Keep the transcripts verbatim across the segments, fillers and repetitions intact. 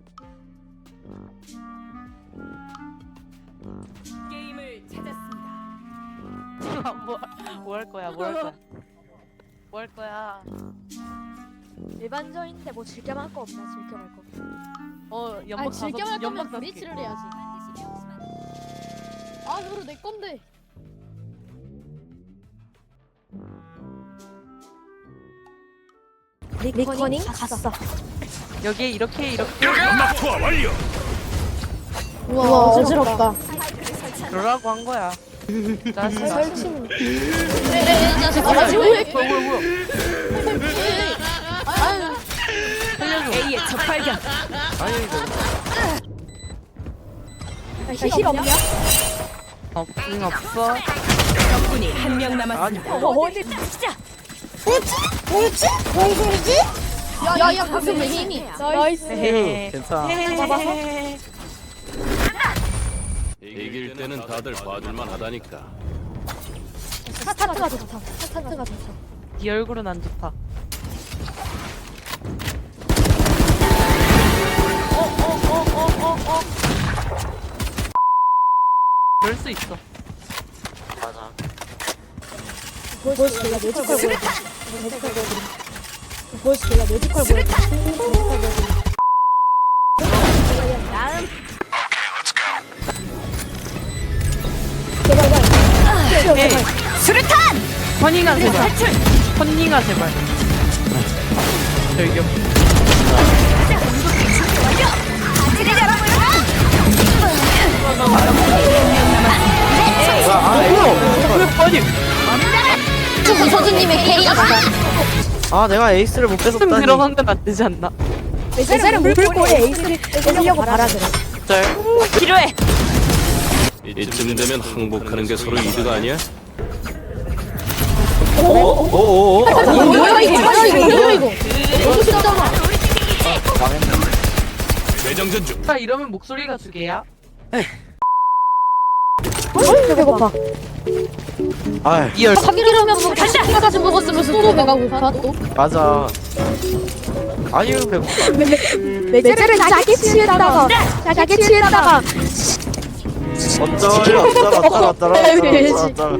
게임을 찾았습니다. 뭐 할 거야? 뭐 할 거야? 뭐 할 거야? 일반적인데 뭐 즐겨만 할 거 없나? 즐겨만 할 거. 어 연막 아니 다섯 즐겨할 거면 연막 다섯 개. 브리치를 해야지. 아 그거 내 건데. 리커닝 갔어. 여기에 이렇게 이렇게 연막 투하 완료. 우와 어지럽다. 그러라고 한 거야. 짜증나. 설치는 아 뭐야 지금 뭐야 뭐야 뭐야. 아유 살려줘. A의 적발견. 아니 이거 힐 없냐? 없긴 없어. 적군이 한 명 남았습니다. 어, 어디 시작. 야야 방금 왜 힘이? 나이스. 헤헤. 괜찮아. 잡아서? 이길 때는 다들 봐줄만 하다니까. 스타트가 좋다. 스타트가 좋다. 네 얼굴은 안 좋다. 어어어어어어. 그럴 수 있어. 맞아. 보여줄게. 나 뮤지컬 보여드림. 뮤지컬 보여드림. 보여줄게. 나 뮤지컬 보여드림. 뮤지컬 보여드림. 다음. 제발, 제발. 에이. 수류탄. 허닝아 제발. 허닝아 제발. 저기요. 아니. 저 서준님의 K가 아 내가 에이스를 못 좀 뺏었다니. 들어간 건 안 되지 않나? 에이스를 물고 에이스를 뺏으려고 바라 그래. 짤. 필요해. 이쯤 되면 항복하는 게 서로 이득 아니야? 오오오. 뭐야 이거 뭐야 이거 뭐야 이거 너무 쉽잖아. 대정전 중. 나 이러면 목소리가 두 개야? 배고파. 아 이열. 삼기라면 뭐 간다 먹었으면서 또 배가고 가 또. 맞아. 아유 배고파. 매제를 자기 치에다가 자기 치에다가 어쩔 어쩔 어쩔 어쩔 어쩔 어쩔.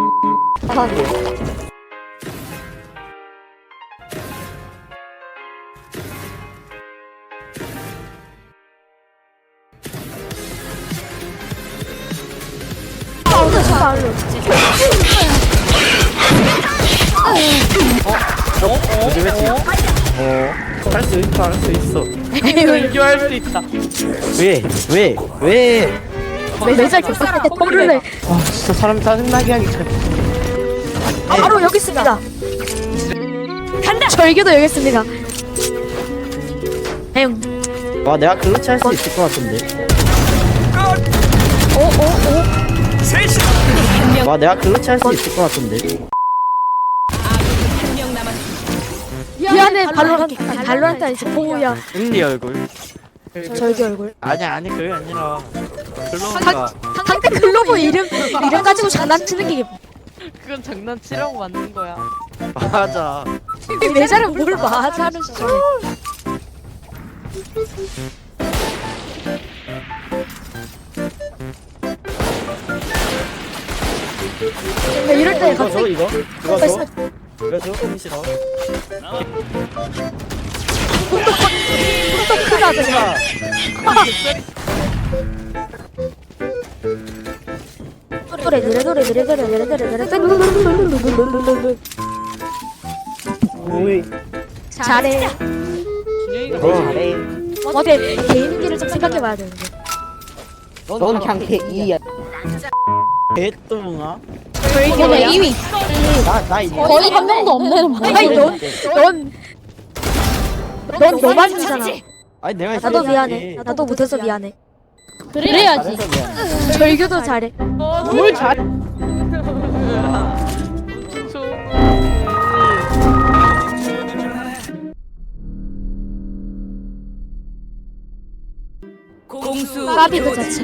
그지 그지. 어할 수 있어 할 수 있어. 이거 할수 있다. 왜 왜 왜? 매제 교사한테 뻥을 내. 아 진짜 사람 짜증나게 하기 참. 바로 여기 있습니다. 간다. 절규도 여기 있습니다. 형. 와 내가 클러치 할 수 있을 것 같은데. 와 내가 클러치 할 수 있을 것 같은데. 한 명 남았습니다. 미안해 발로란트 발로란트 아니지 보우야. 은리 얼굴. 절규 얼굴. 아니야 아니 그게 아니라 클로가 상대 글로브 이름 이름 가지고 장난치는 게 그건 장난치라고 만든 거야. 맞아. 매제를 뭘 맞아는 시절. 이럴 때 이거 줘 갑자기 이거 이거 줘 이거 줘 은리 싫어. 또 크다 더. 노래 노래 노래 노래 노래 노래 노래 노래 오이. 잘해. 준영이가 너 제일 잘해. 어때 개인기를 좀 생각해봐야 되는데. 넌 그냥 개이야. 개똥아. 이거는 이 위. 나나 이거. 거의 한 명도 없네. 뭐. 아니 넌넌넌 너만이잖아. 아니 내가 나도 미안해. 나도 못해서 미안해. 그래야지. 잘해서 미안해. 절규도 잘해. 뭘 잘? 공수 까비 그 자체.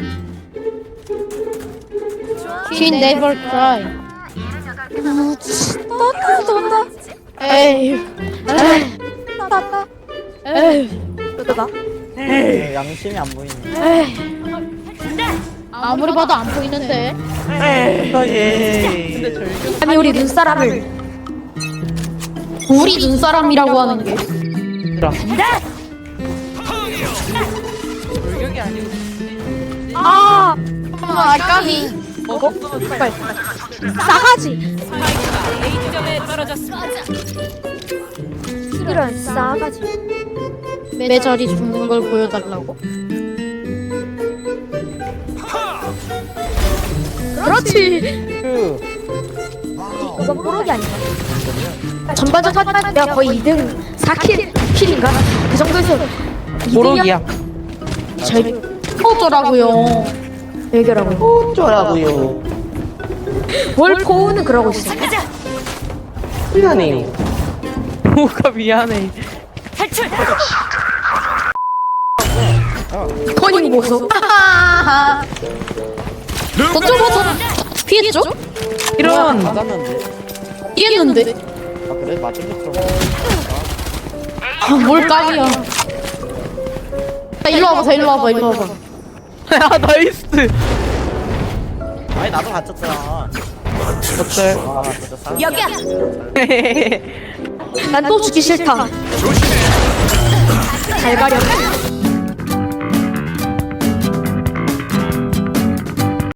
She never cry. 떤다 떤다. 에이. 떤다. 에이. 떤다. 양심이 안 보이네. 아무리 봐도 안 보이는데. 에이. 아니 우리 눈사람을 우리 눈사람이라고 하는 게. 돌격이 아니고 아 아, 까비. 싸가지 스파이크가 A 지점에 떨어졌습니다. 이런 싸가지 매절이 죽는 걸 보여달라고. 그렇지 이건 뽀록이 아닌가 전반전 하면 내가 거의 이 등 사 킬 킬인가 그 정도에서 모록이야. 잘 어쩌라고요. 얘기라고 어쩌라고요. 뭘 포우는 그러고 있어 미안해. 뭐가 미안해. 탈출. 토닝 보소 어쩌고 피했죠? 이런. 맞았는데. 피했는데. 아 그래 맞은 게 들어. 아, 뭘 까비야. 자, 일로 와봐, 일로 와봐, 일로 와봐. 야 나이스. 아니 나도 맞췄잖아. 어때? 아 진짜 사. 여기야. 난 또 죽기 싫다 잘 가려